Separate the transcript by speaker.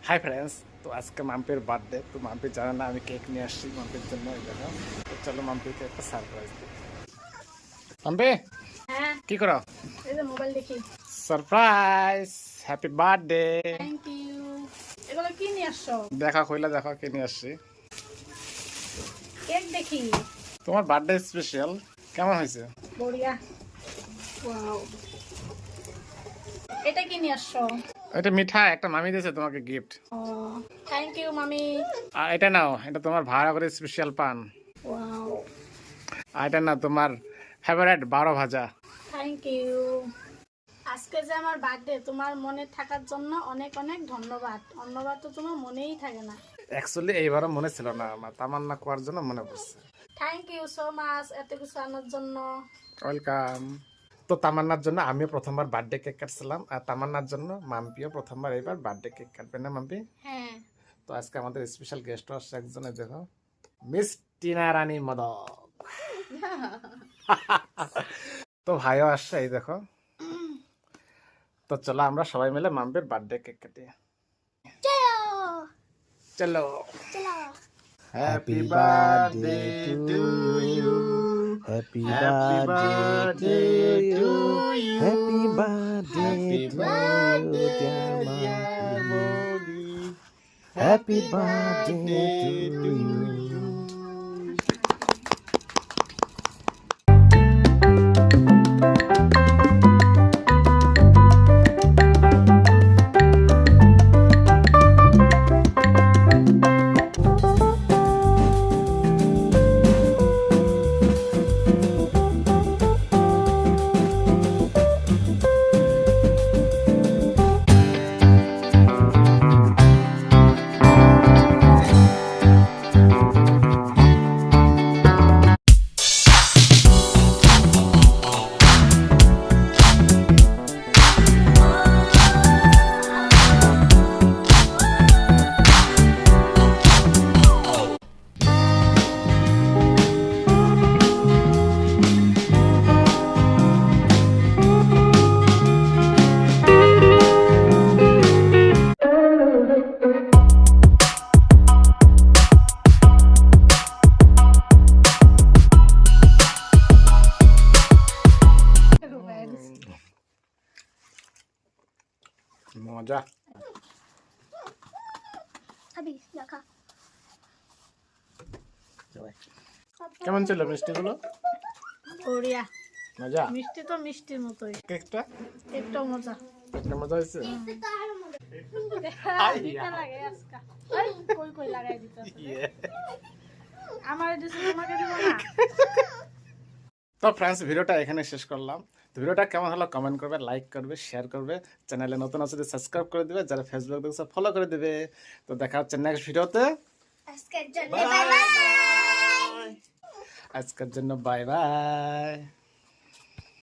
Speaker 1: Hi friends, তো আজকে মাম্পির birthday. তো মাম্পি জানে না আমি কেক নিয়ে আসছি মাম্পির জন্য। এই দেখো, তো চলো মাম্পিকে একটা সারপ্রাইজ দিই। মাম্পি
Speaker 2: হ্যাঁ,
Speaker 1: কি করো?
Speaker 2: এই যে মোবাইল দেখি।
Speaker 1: Surprise, happy birthday.
Speaker 2: Thank you. এগুলো কি নিয়ে আসছো?
Speaker 1: দেখা কইলা, দেখো কি নিয়ে আসছি।
Speaker 2: কেক দেখি।
Speaker 1: তোমার বার্থডে স্পেশাল, কেমন হয়েছে?
Speaker 2: বড়িয়া। ওয়াও, এটা কি নিয়ে আসছো?
Speaker 1: এটা মিঠা, একটা মামি দিয়েছে তোমাকে গিফট।
Speaker 2: ও, থ্যাংক ইউ মামি।
Speaker 1: আর এটা নাও, এটা তোমার ভাড়া করে স্পেশাল পান।
Speaker 2: ওয়াও,
Speaker 1: আর এটা না তোমার ফেভারিট 12 ভাজা।
Speaker 2: Thank you. আজকে যে আমার বার্থডে, তোমার মনে থাকার জন্য অনেক অনেক ধন্যবাদ। অন্যবার তো তোমার মনেই থাকে না।
Speaker 1: অ্যাকচুয়ালি এইবারও মনে ছিল না আমার, তামান্না করার জন্য মনে পড়ছে।
Speaker 2: থ্যাংক ইউ সো মাচ এত কিছু আনার জন্য।
Speaker 1: ওয়েলকাম। তো তামান্নার জন্য আমিও প্রথমবার বার্থডে কেক কাটছিলাম, আর তামান্নার জন্য মাম্পিও প্রথমবার এইবার বার্থডে কেক কাটবে না মাম্পি?
Speaker 2: হ্যাঁ।
Speaker 1: তো আজকে আমাদের স্পেশাল গেস্ট আসছে একজনে, দেখো মিস টিনা রানী মদক। তো ভাইও আসছে, এই দেখো। তো চলো আমরা সবাই মিলে মাম্পির বার্থডে কেক কাটি। চলো। Happy birthday to you,
Speaker 3: Happy
Speaker 1: Happy birthday to you.
Speaker 3: Happy birthday to you, dear
Speaker 1: Molly.
Speaker 3: Happy birthday to you.
Speaker 1: মজা। কেমন ছিল মিষ্টিগুলো?
Speaker 2: বড়িয়া।
Speaker 1: মজা।
Speaker 2: মিষ্টি তো মিষ্টির মতোই।
Speaker 1: কেকটা
Speaker 2: একটু মজা।
Speaker 1: একটা মজা হয়েছে।
Speaker 2: দিতে লাগে আজকা। এই, কই কই লাগাই দিতে আছে? আমার দিছে তোমাকে দিব না।
Speaker 1: তো ফ্রেন্ডস, ভিডিওটা এখানে শেষ করলাম। তো ভিডিওটা কেমন হলো কমেন্ট করবে, লাইক করবে, শেয়ার করবে। চ্যানেলে নতুন আছে সাবস্ক্রাইব করে দিবে, যারা ফেসবুক দেখছে ফলো করে দিবে। তো দেখা হচ্ছে নেক্সট ভিডিওতে।
Speaker 4: আজকের জন্য বাই বাই।
Speaker 1: আজকের জন্য বাই বাই।